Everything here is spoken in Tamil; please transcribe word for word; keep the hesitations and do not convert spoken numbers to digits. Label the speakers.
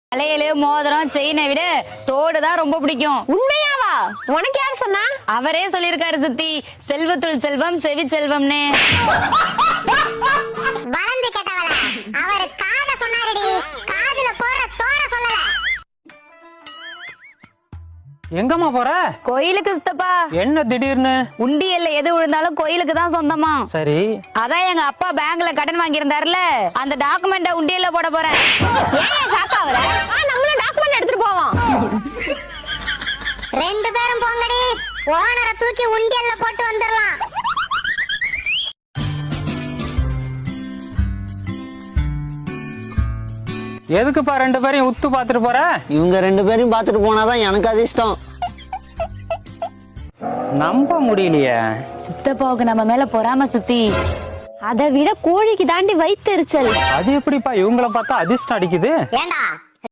Speaker 1: வளையலு மோதிரம் செயினை விட தோடு தான் ரொம்ப பிடிக்கும்.
Speaker 2: உண்மையாவா? உனக்கு யார் சொன்னா?
Speaker 1: அவரே சொல்லிருக்காரு சித்தி, செல்வத்துள் செல்வம் செவி செல்வம்னு.
Speaker 3: வளர்ந்து கேட்டவள அவர் காத சொன்னாரடி, காதுல போற தோட சொல்லல.
Speaker 4: எங்கம்மா போற?
Speaker 1: கோயிலுக்கு சித்தப்பா.
Speaker 4: என்ன திடீர்னு?
Speaker 1: உண்டியல்ல எது விழுந்தாலும் கோயிலுக்கு தான் சொந்தமா.
Speaker 4: சரி.
Speaker 1: அதான் எங்க அப்பா பேங்க்ல கடன் வாங்கி இருந்தாருல, அந்த டாக்குமெண்ட உண்டியல்ல போட போறேன்.
Speaker 2: ஏன் ஷாக் ஆவற? நம்மளும் டாக்குமெண்ட் எடுத்துட்டு போவோம்.
Speaker 3: ரெண்டு பேரும் போங்கடி, ஓனரை தூக்கி உண்டியல்ல போட்டு வந்துடலாம்.
Speaker 4: எதுக்குப்பா ரெண்டு பேரையும் உத்து பாத்துட்டு போற?
Speaker 5: இவங்க ரெண்டு பேரையும் பாத்துட்டு போனாதான் எனக்கு அதிர்ஷ்டம்.
Speaker 4: நம்ப முடியலையே.
Speaker 1: சித்தப்பாவுக்கு நம்ம மேல பொறாம சித்தி.
Speaker 2: அதை விட கோழிக்கு தாண்டி வைத்தெரிச்சல்.
Speaker 4: அது எப்படிப்பா இவங்கள பார்த்தா அதிர்ஷ்டம் அடிக்குது?
Speaker 3: ஏண்டா